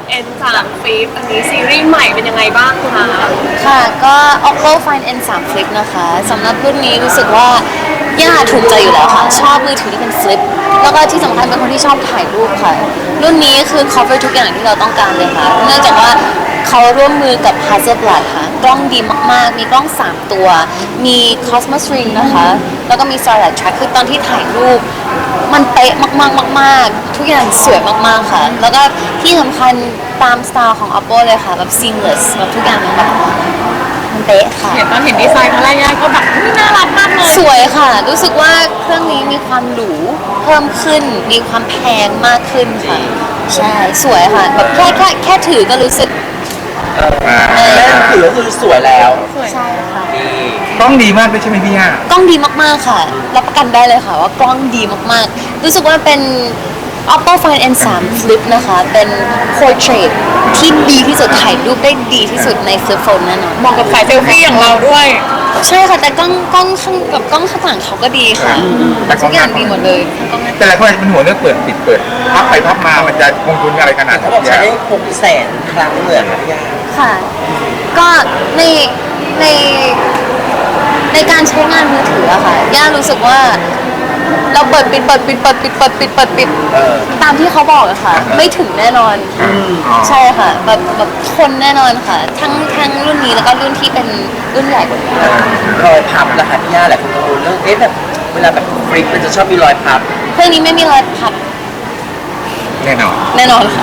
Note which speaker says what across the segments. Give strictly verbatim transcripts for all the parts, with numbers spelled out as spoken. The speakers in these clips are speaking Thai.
Speaker 1: เอ็น สาม Flip อันนี้ซีรีส์ใหม่เป็นยังไงบ้างคะ
Speaker 2: ค่ะก็ Oppo Find เอ็น ทรี Flip นะคะสำหรับรุ่นนี้รู้สึกว่าย่าถูกใจอยู่แล้วค่ะชอบมือถือที่เป็น Flip แล้วก็ที่สำคัญเป็นคนที่ชอบถ่ายรูปค่ะรุ่นนี้คือ cover ทุกอย่างที่เราต้องการเลยค่ะเนื่องจากว่าเขาร่วมมือกับ Hasselblad ค่ะกล้องดีมากๆมีกล้องสามตัวมี Cosmos Ring นะคะแล้วก็มี Starlight Track คือตอนที่ถ่ายรูปมันเป๊ะมากๆมากๆทุกอย่างสวยมากๆค่ะแล้วก็ที่สำคัญตามสไตล์ของ Oppo เลยค่ะแบบ seamless แบบทุกอย่างมันแบบมันเป๊ะค่ะ
Speaker 1: เห็นตอนเห็นดีไซน์ครั้งแรกย่าก็แบบน่ารักมากเลย
Speaker 2: สวยค่ะ รู้สึกว่าเครื่องนี้มีความหรูเพิ่มขึ้นมีความแพงมากขึ้นค่ะใช่สวยค่ะแบบแค่แค่แค่ถือก็รู้สึก
Speaker 3: แม่ถือก็คือสวยแล้ว
Speaker 2: ใช่ค่ะ
Speaker 3: กล้องดีมากด้วยใช่ไหมพี่ย่าก
Speaker 2: ล้องดีมากๆค่ะรับประกันได้เลยค่ะว่ากล้องดีมากๆรู้สึกว่าเป็น Oppo Find เอ็น ทรี Flip นะคะเป็น portrait ที่ดีที่สุดถ่ายรูปได้ดีที่สุดใน Flip Phone แน่นอน
Speaker 1: เหมาะกับสายเซลฟี่อย่างเราด้วย
Speaker 2: ใช่ค่ะแต่กล้องกล้องข้างกับกล้องข้างหลังเขาก็ดีค่ะทุกอย่างดีหมดเลย
Speaker 3: แต่หลายคนเป็นหัวเรื่องเปิดปิดเปิดพับไปพับมามันจะลงทุนอะไรขนาด
Speaker 4: เขาบอกใช้ได้หกแสนครั้งเลยค่ะพี่ย่า
Speaker 2: ค่ะก็ในในในการใช้งานมือถืออะค่ะย่ารู้สึกว่าเราเปิดปิดเปิดปิดเปิดปิดเปิดปิดเปิดปิดตามที่เขาบอกอะค่ะไม่ถึงแน่นอนใช่ค่ะแบบแบบทนแน่นอนค่ะทั้งทั้งรุ่นนี้แล้วก็รุ่นที่เป็นรุ่นใหญ่กว่านี้
Speaker 4: รอยพับละค่ะพี่ย่าแหละคุณกังวลเรื่องเอ๊ะแบบเวลาแบบฟลิปมันจะชอบมีรอยพับ
Speaker 2: เครื่องนี้ไม่มีรอยพับ
Speaker 3: แน่นอน
Speaker 2: แน่นอนค่ะ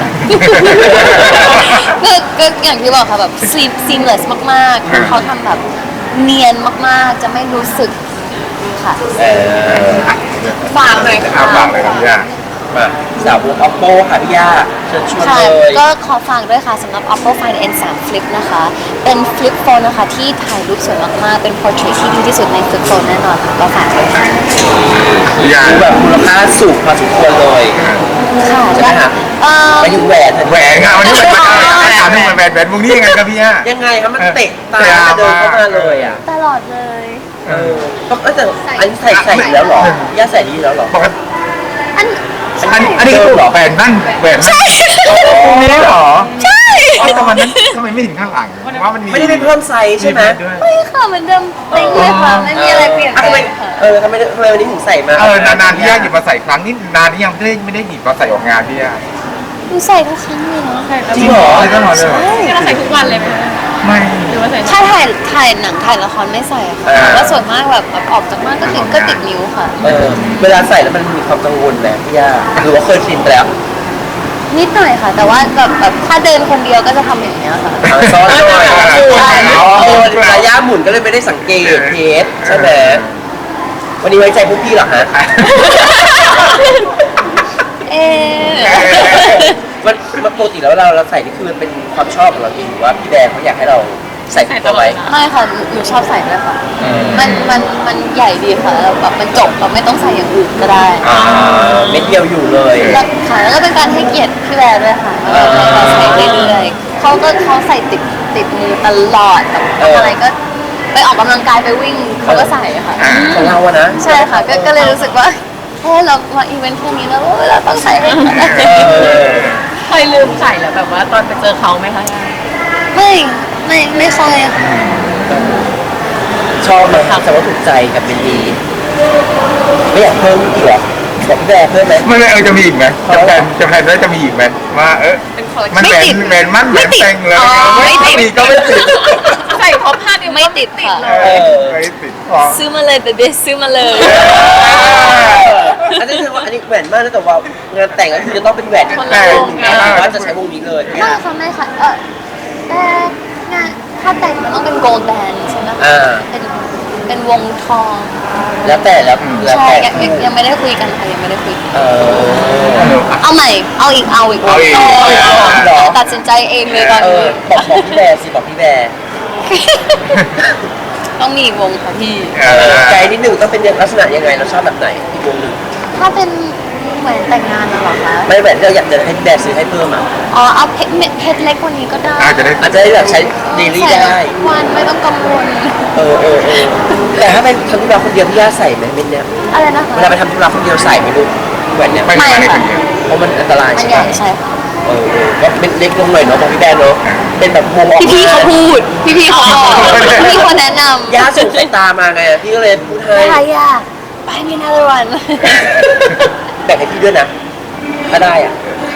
Speaker 2: ก็ก็อย่างที่บอกค่ะแบบ seamless มากๆเขาทำแบบเนียนมากๆจะไม่รู้สึกค่ะ
Speaker 1: ฝากหน่อยค่ะ
Speaker 3: ฝากเลยครับพี่ย่า
Speaker 4: มาสาวก Oppo ค่ะพี่ย่าเชิญชวนเลย
Speaker 2: ก็ขอฝากด้วยค่ะสำหรับ Oppo Find เอ็น ทรี Flip นะคะเป็น Flip Phone นะคะที่ถ่ายรูปสวยมากๆเป็น portrait ที่ดีที่สุดใน Flip Phone แน่นอนค่ะก็ฝากด้วยค่ะ
Speaker 4: ดูแบบมูลค่าสูงพอสมควรเลย
Speaker 2: ค่ะ
Speaker 4: ใช่ไหมคะไปถึงแหวน
Speaker 3: แหวนอ่ะวันนี้เป็นถามถึงแหวนแหวนวงนี้ยังไงครับพี่ย่า
Speaker 4: ยังไงครับมันเตะตาเดินเข้ามาเลยอ่ะ
Speaker 2: ตลอดเลย
Speaker 4: เออแต่อันนี้ใส่ใส่แล้วหรอย่าใส่ดีแล้วหรอ
Speaker 2: อัน
Speaker 3: อันอันนี้คือแหวนนั่นแหวนนั่นวงนี้เหรอ
Speaker 2: ใช่
Speaker 3: ทำไมนั้นทำไมไม่ถึงข้างหลังว่ามัน
Speaker 4: ไม่ได้เพิ่มไซส์ใช่ไหม
Speaker 2: ไม่ค่ะเหมือนเดิมเต็งเลยค่ะไม่มีอะไรเปลี่ยนแปลงค่ะ
Speaker 4: เออทำไมทำไมวันนี้ถึงใส่มา
Speaker 3: เออนานๆพี่ย่าหยิบมาใส่ครั้งนี้นานที่ยังไม่ได้ไม่ได้หยิบมาใส่ออกงานพี่ย่า
Speaker 2: หนูใส่ทุกครั้งเลยเนาะ
Speaker 4: จริงเหรอ
Speaker 3: ตลอดเลย
Speaker 1: ที่เราใส่ทุกวันเลยไหม
Speaker 3: ไม่
Speaker 1: หรือว่าใส่
Speaker 2: ถ้าถ่ายถ่ายหนังถ่ายละครไม่ใส่ค่ะแล้วส่วนมากแบบออกจากบ้านก็ติดก็ติดนิ้วค่ะ
Speaker 4: เออเวลาใส่แล้วมันมีความกังวลไหมพี่ย่าหรือว่าเคยชินไปแล้ว
Speaker 2: นิดหน่อยค่ะแต่ว่าแบบแบบถ้าเดินคนเดียวก็จะทำอย่างเงี้ยค่ะ
Speaker 4: ซ้อนหน่อยระยะหมุนก็เลยไม่ได้สังเกตเทสใช่ไหมวันนี้ไว้ใจพวกพี่หรอฮะ
Speaker 2: เอ
Speaker 4: มันมันปกติแล้วเราเราใส่นี่คือมันเป็นความชอบของเราเองหรือว่าพี่แดงเขาอยากให้เราใส่ตัวไว้
Speaker 2: ไม่ค่ะหนูชอบใส่ด้วยค่ะมันมันมันใหญ่ดีค่ะแบบมันจบเราไม่ต้องใส่อย่างอื่นก็ได้
Speaker 4: เม็ดเดียวอยู่เลย
Speaker 2: ค่ะแล้วก็เป็นการให้เกียรติพี่แบร์ด้วยค่ะเราใส่เรื่อยๆเขาก็เขาใส่ติดติดมือตลอดแบบอะไรก็ไปออกกำลังกายไปวิ่งเขาก็ใส่ค่ะ
Speaker 4: ของเราอะนะ
Speaker 2: ใช่ค่ะก็เลยรู้สึกว่าแค่เรามาอีเวนต์แค่นี้แล้วเราต้องใส่ให้ได้
Speaker 1: เคยลืมใส่แล้วแบบว่าตอนไปเจอเขาไหมคะ
Speaker 2: ไม่ไม่ไม่ค่อย
Speaker 4: ชอบเลยครับแต่ว่าถูกใจกับเบนดีไม่อยากเพิ่มอีกหรอบอกพี่แบร์เพิ่มไหม
Speaker 3: ไม่ไม่เออจะมีอีกไหมจะแพนจะแพนแล้วจะมีอีกไหมว่าเออมันแบนแบนมันแบนแต่งเลยไม่ติดก็ไม่ติด
Speaker 1: ใส่ครบห้านิ้ว
Speaker 2: ไม่ติดค่ะ
Speaker 3: ไม่ติด
Speaker 2: ซื้อมาเลยเบบี้ซื้อมาเลย
Speaker 4: อันนี้คือว่าอันนี้แหวนมากนะแต่ว่างานแต่งก็คือจะต้องเป็นแหวน
Speaker 1: แต่ง
Speaker 4: ว่าจะใช้วงนี้เลย
Speaker 2: ไม่ค่ะไม่ค่ะเออแต่งานถ้าแต่งมันต้องเป็นโกลด์แบนใช่ไหมเป็นเป็นวงทอง
Speaker 4: แล้วแต่แล้ว
Speaker 2: ใช่ยังไม่ได้คุยกันค่ะยังไม่ได้คุยเอาใหม่เอาอีกเอาอีกเอาอีกตัดสินใจเองเลยตอนนี้
Speaker 4: บอกบอกพี่แบร์สิบอกพี่แบร์
Speaker 2: ต้องมีวงค่ะพี่
Speaker 4: ใจนิดหนึ่งต้องเป็นลักษณะยังไงเราชอบแบบไหนอีกวงหนึ่ง
Speaker 2: ถ้าเป็นแหวนแต่งงานน่ะเหรอคะ
Speaker 4: ไม่แหวนเราอยากจะให้แบร์ซื้อให้เพิ่มอ่ะ
Speaker 2: อ๋อเอาเพชรเพชรเล็กกว่านี้ก็ได้
Speaker 3: อาจจะได้
Speaker 4: อาจจะได้แบบใช้เดลี่ได้
Speaker 2: วันไม่ต้องกังวล
Speaker 4: เออเออเออแต่ถ้าเป็นทำธุระคนเดียวพี่ย่าใส่ไหมเม็ดเนี้ย
Speaker 2: อะไรนะคะ
Speaker 4: เวลาไปทำธุระคนเดียวใส่ไหมลูกแหวนเนี้ย
Speaker 2: ไม่ค่ะ
Speaker 4: เพราะมันอันตรายใช่ไหม
Speaker 2: ใช่ค่ะ
Speaker 4: เออเออก็เป็นเล็กลงหน่อยเนาะของพี่แบนเนาะเป็นแบบวงออก
Speaker 2: พี่พี่ๆเขาพูด พี่พี่ๆเขาบอกพี่พี่ๆเขาแนะนำ
Speaker 4: ย่าส่งสายตามาไงพี่ก็เลยพูดให้
Speaker 2: อะไรอ่ะไปมีนาตวัน
Speaker 4: แบ่งให้พี่ด้วยนะถ้าได้อ่ะ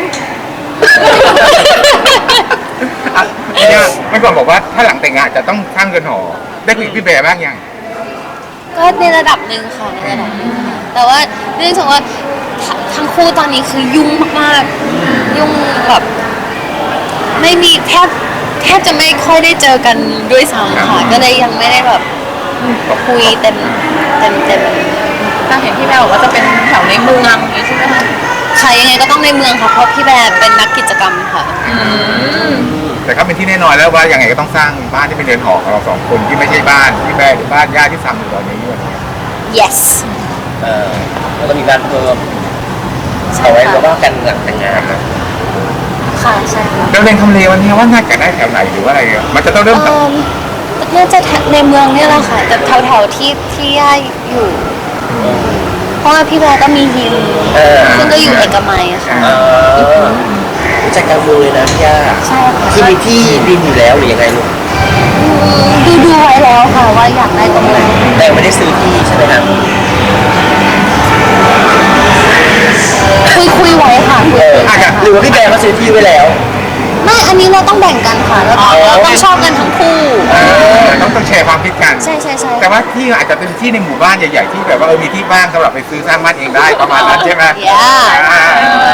Speaker 3: อ่ะเนี่ยเมื่อก่อนบอกว่าถ้าหลังแต่งงานจะต้องสร้างเรือนหอได้คุยกับพี่แบร์บ้างยัง
Speaker 2: ก็ในระดับหนึ่งค่ะในระดับหนึ่งค่ะแต่ว่าเนื่องจากว่าทัทั้งคู่ตอนนี้คือยุ่งมากๆยุ่งแบบไม่มีแทบแทบจะไม่ค่อยได้เจอกันด้วยซ้ำค่ะก็เลยยังไม่ได้แบบคุยเต็มเต็มเต็ม
Speaker 1: ถ้าเห็นพี่แม่บอกว่าจะเป็นแถวในเมืองอย่างนี้ใช่ไหมคะ
Speaker 2: ค่ะยังไงก็ต้องในเมืองค่ะเพราะพี่แบร์เป็นนักกิจกรรมค่ะ
Speaker 3: แต่ก็เป็นที่แน่นอนแล้วว่ายังไงก็ต้องสร้างบ้านที่เป็นเรือนหอของเราสองคนที่ไม่ใช่บ้านพี่แบร์หรือบ้านญาติที่ซ้ำอยู่ตอนนี้ด้วย
Speaker 2: yes
Speaker 4: เออแล้วก็มีบ้านเพิ่มเอาไว้แล้วว่ากันหลังแต่งงานนะ
Speaker 2: ค่ะใช่ค่ะ
Speaker 3: เราเรียนทำเลวันนี้ว่าน่าจะได้แถวไหนหรือว่าอะไรอ่ะมันจะต้องเริ่มจาก
Speaker 2: เอิ่มน่าจะในเมืองเนี่ยแหละค่ะแต่แถวๆที่ที่ย่าอยู่ เพราะว่าพี่แบร์ก็มียิม
Speaker 4: เออ
Speaker 2: ซึ่งก็อยู่เอกมัยอะค่ะ
Speaker 4: เออรู้จักกลางเมืองเลยนะพี่ย่า
Speaker 2: ใช่ค่ะ
Speaker 4: คือมีที่ดินอยู่แล้วหรือยังไงลูก
Speaker 2: ดูดูไว้แล้วค่ะว่าอยากได้ตรงไหน
Speaker 4: แต่ยังไม่ได้ซื้อที่ใช่ไหมครับ
Speaker 2: คุยคุยไว้ค่ะคุ
Speaker 4: เอย อ
Speaker 3: อาจจะ
Speaker 4: หรือว่าพี่แบร์เขาซื้อที่ไว้แล้ว
Speaker 2: ไม่อันนี้เราต้องแบ่งกันค่ะเราต้อง
Speaker 4: อ๋อ
Speaker 2: เราต้องชอบกันทั้งคู่
Speaker 3: เออต้องต้องแชร์ความคิดกัน
Speaker 2: ใช่ใช่ใช่
Speaker 3: แต่ว่าที่อาจจะเป็นที่ในหมู่บ้านใหญ่ๆที่แบบว่าเออมีที่ว่างสำหรับไปซื้อสร้างบ้านเองได้ประมาณนั้นใช่ไหม
Speaker 2: ย่า
Speaker 3: อ่า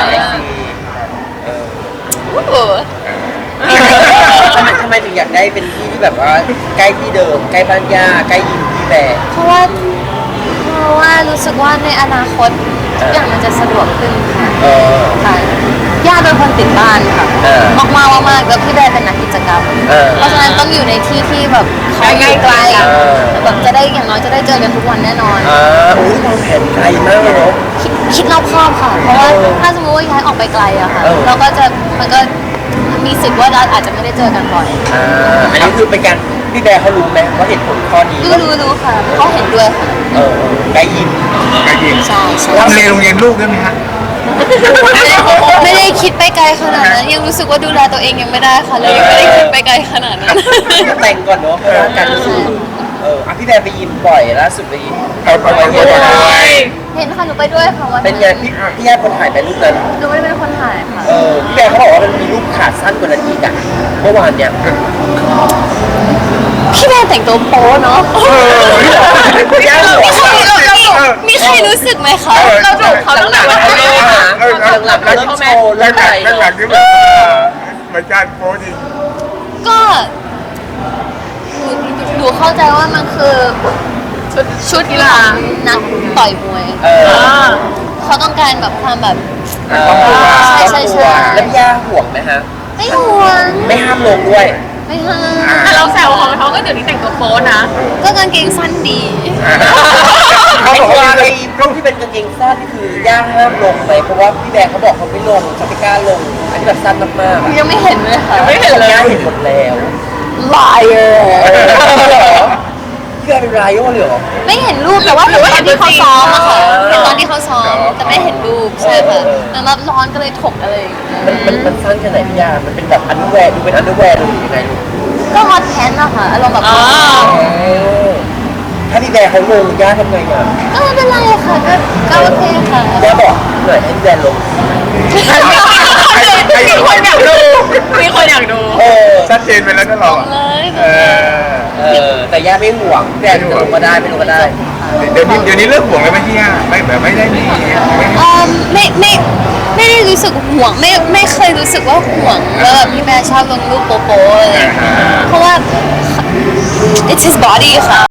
Speaker 4: ทำไมทำไมถึงอยากได้เป็นที่ที่แบบว่าใกล้ที่เดิมใกล้บ้านย่าใกล้ยิมพี่แบร์
Speaker 2: เพราะว่าเพราะว่ารู้สึกว่าในอนาคตทุกอย่างมันจะสะดวกขึ้นค่ะ
Speaker 4: เออ
Speaker 2: ค่ะย่าเป็นคนติดบ้านค่ะ
Speaker 4: เออ
Speaker 2: มากมากๆมากๆแล้วพี่แบร์เป็นนักกิจกรรม
Speaker 4: เออ
Speaker 2: เพราะฉะนั้นต้องอยู่ในที่ที่แบบเขาอยู่ไกล
Speaker 4: เออ
Speaker 2: แบบจะได้อย่างน้อยจะได้เจอกันทุกวันแน่นอน
Speaker 4: อ่าโอ้ยวางแผนไกลมากเลยเนาะ
Speaker 2: คิดคิดรอบคอบค่ะ เพราะว่า
Speaker 4: เออ
Speaker 2: ถ้าสมมติว่าย้ายออกไปไกลอะค่ะ
Speaker 4: เออ
Speaker 2: เราก็จะมันก็มีสิทธิ์ว่าเราอาจจะไม่ได้เจอกันบ่อย
Speaker 4: อ่าอันนี้คือเป็นการพี่แบร์เขารู้ไหมว่าเหตุผลข้อนี้
Speaker 2: รู้รู้รู้ค่ะเขาเห็นด้วยค่ะ
Speaker 4: เออใกล้ยิม
Speaker 3: ก็ยิง
Speaker 2: ใช่ใช่
Speaker 3: ทำเลโรงเรียนลูกด้วยไหมฮะ
Speaker 2: ไม่ได้ไม่ได้คิดไปไกลขนาดนั้นยังรู้สึกว่าดูแลตัวเองยังไม่ได้ค่ะเลยยังไม่ได้คิดไปไกลขนาดนั้น
Speaker 4: แต่งก่อนเนาะเพราะว่าการเอออ่ะพี่แบร์ไปยิมบ่อยล่าสุดไปยิม
Speaker 3: เอาไปไปไปไป
Speaker 2: เห็นค่ะหนูไปด้วยค่ะวัน
Speaker 4: เป็นไงพี่พี่แย่คนถ่ายไปรูปนั้น
Speaker 2: หนูไม่ได้เป็นคนถ่ายค่ะ
Speaker 4: เออพี่แบร์เขาบอกว่ามันมีรูปขาสั้นกว่านั้นอีกอะเมื่อวานเนี่ย
Speaker 2: พี่แม่แต่งตัวโป๊เนาะ
Speaker 3: เออ
Speaker 4: พี่แย่หัว
Speaker 2: มีใครเราเรามีใครรู้สึกไหมคะ
Speaker 1: เราถูกเขาตั้งแต่วันแรกอะ
Speaker 3: เออ
Speaker 4: หลังๆแล้วยิ้มโชว์
Speaker 3: แล้
Speaker 4: เรื่
Speaker 3: ว
Speaker 4: อง
Speaker 3: หลั
Speaker 4: อะไร
Speaker 3: งแล้วหลังที่แบบเหมือนการโพสจริง
Speaker 2: ก็หนูหนูเข้าใจว่ามันคือ
Speaker 1: ชุดชุดกีฬา
Speaker 2: นักต่อยมวย
Speaker 4: เออ
Speaker 1: อ่า
Speaker 2: เขาต้องการแบบความแบบ
Speaker 4: เออ
Speaker 2: ใช่ใช่ใช่
Speaker 4: แล้วพี่ย่าห่วงไหมฮะ
Speaker 2: ไม่ห่วง
Speaker 4: ไม่ห้ามลงด้วย
Speaker 2: ไม่ห้าม
Speaker 1: แต่เราแซวเขาเขาก็เดี๋ยวนี้แต่งตัวโป๊นะ
Speaker 2: ก็กางเกงสั้นดี
Speaker 3: เขา
Speaker 4: ไอ้
Speaker 3: บอก
Speaker 4: ตัว
Speaker 3: ว่า
Speaker 4: ไอ้รูปที่เป็นกางเกงสั้นนี่คือย่าห้ามลงไหมเพราะว่าพี่แบร์เขาบอกเขาไม่ลงเขาไม่กล้าลงอันนี้แบบสั้นมากๆอะ
Speaker 2: ยังไม่เห็นเลยค่ะ
Speaker 1: ไม่เห็นเลย
Speaker 4: ย่าเห็นหมดแล้ว
Speaker 2: liar
Speaker 4: เพื่อเป็นรายโอเลยเหรอ
Speaker 2: ไม่เห็นรูปแต่ว่าเห็นตอนที่เขาซ้อมอะค่ะเห็นตอนที่เขาซ้อมแต่ไม่เห็นรูปใช่ค่ะเหมือนแบบร้อนก็เลยถกอะไรอย่างเงี้ย
Speaker 4: มันมันมันสั้นแค่ไหนพี่ย่ามันเป็นแบบอันเดอร์แวร์ดูเป็นอันเดอร์แวร์ดูยังไงลูก
Speaker 2: ก็ฮอตแพนอะค่ะอารมณ์แบบ
Speaker 1: อ๋อ
Speaker 4: ถ้าพี่แบร์เขาลงย่าทำไงอ่ะ
Speaker 2: ก็ไม่เป็นไรค่ะก็ก็โอเคค่ะ
Speaker 4: ย่าบอกหน่อยให้พี่แบร์ลง
Speaker 1: มีคนอยากดู มีคนอยากดู
Speaker 4: เออ
Speaker 3: ชัดเจนไปแล้วนะเราอะ
Speaker 2: เลย
Speaker 3: เออ
Speaker 4: เออแต่ย่าไม่ห่วงพี่แบร์จะลงก็ได้ไม่ลงก็ได้
Speaker 3: เดี๋ยวนี้เดี๋ยวนี้เลิกห่วงเลยไหมพี่ย่าไม่แบบไม่ได้มีไม่
Speaker 2: เอ่อไม่ไม่ไม่ได้รู้สึกห่วงไม่ไม่เคยรู้สึกว่าห่วงว่าแบบพี่แม่ชอบลงรูปโป๊ะๆอะไรอย่างเงี้ยเพราะว่า it's his body ค่ะ